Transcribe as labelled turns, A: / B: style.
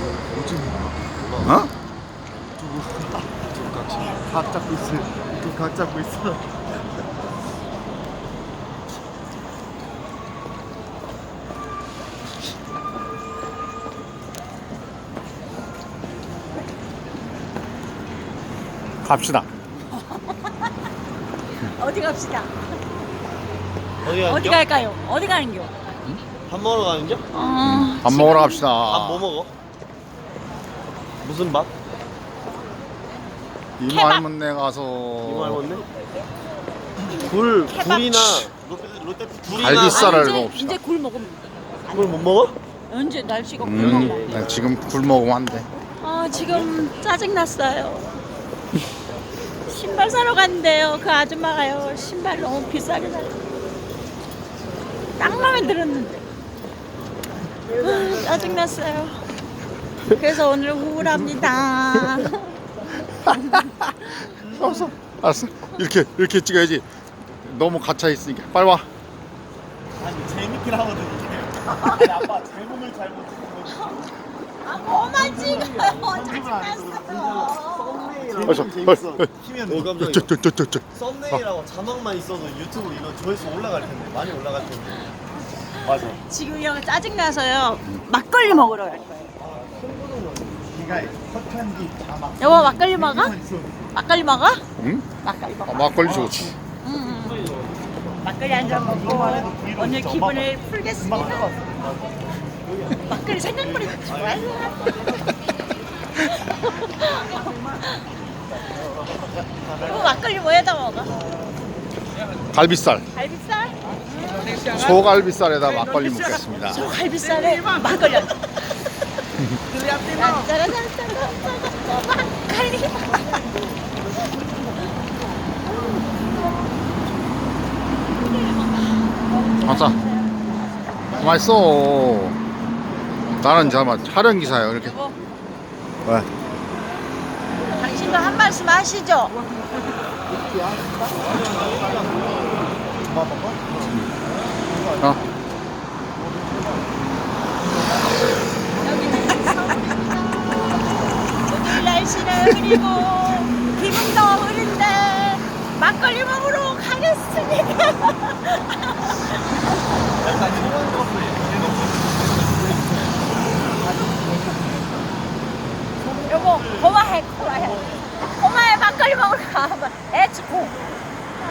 A: 어?
B: 각 잡고 있어. 각 잡고 있어.
A: 갑시다.
C: 어디 갑시다.
D: 어디 가는
C: 어디
D: 겨?
C: 갈까요? 어디 가는겨?
D: 밥 먹으러 가는 겨?
A: 밥 먹으러 갑시다.
D: 밥 뭐 먹어? 무슨 밥?
A: 이모
C: 케밥.
A: 할머니 가서
D: 이모 할머니?
C: 케밥.
D: 굴이나 롯데 굴이나
A: 갈비살을
C: 이제,
A: 먹읍시다.
C: 이제 굴 먹으면
D: 굴 못 먹어?
C: 언제 날씨가 굴 먹으면 안 돼.
A: 지금 굴 먹으면 안 돼.
C: 아 지금 짜증 났어요. 신발 사러 갔는데요. 그 아줌마가요. 신발 너무 비싸게 사. 딱 마음에 들었는데. 아, 짜증 났어요. 그래서 오늘 우울합니다.
A: 알았어. 알았어. 이렇게 찍어야지. 너무 갇혀 있으니까 빨리 와.
B: 아니 재밌긴 하거든 이게. 아빠 제목을 잘못 찍은 거지.
C: 아 뭐만 찍어요. 짜증 났어요.
A: 어서.
B: 재밌어. 키면
D: 오 깜짝이야.
A: 저저저저.
D: 썸네일하고 자막만 있어도 유튜브 이거 조회수 올라갈 텐데 많이 올라갈 텐데.
B: 맞아.
C: 지금요 짜증 나서요. 막걸리 먹으러 갈 거예요.
B: 네가 헛한 뒤 자막.
C: 여보 막걸리 먹어? 막걸리 먹어?
A: 응?
C: 막걸리 먹어.
A: 막걸리 좋지.
C: 막걸리 한 잔 먹고 오늘 기분을 풀겠습니다. 막걸리 생각보다 좋아요. 여보 막걸리 뭐에다 먹어?
A: 갈비살.
C: 갈비살?
A: 소갈비살에다 막걸리 먹겠습니다.
C: 저 갈비살에 막걸리 한 잔. 막걸리.
A: 아싸. 맛있어. 나는 잠깐 촬영 기사예요. 이렇게.
C: 여보,
A: 왜?
C: 당신도 한 말씀 하시죠.
A: 어?
C: 오늘 날씨는 흐리고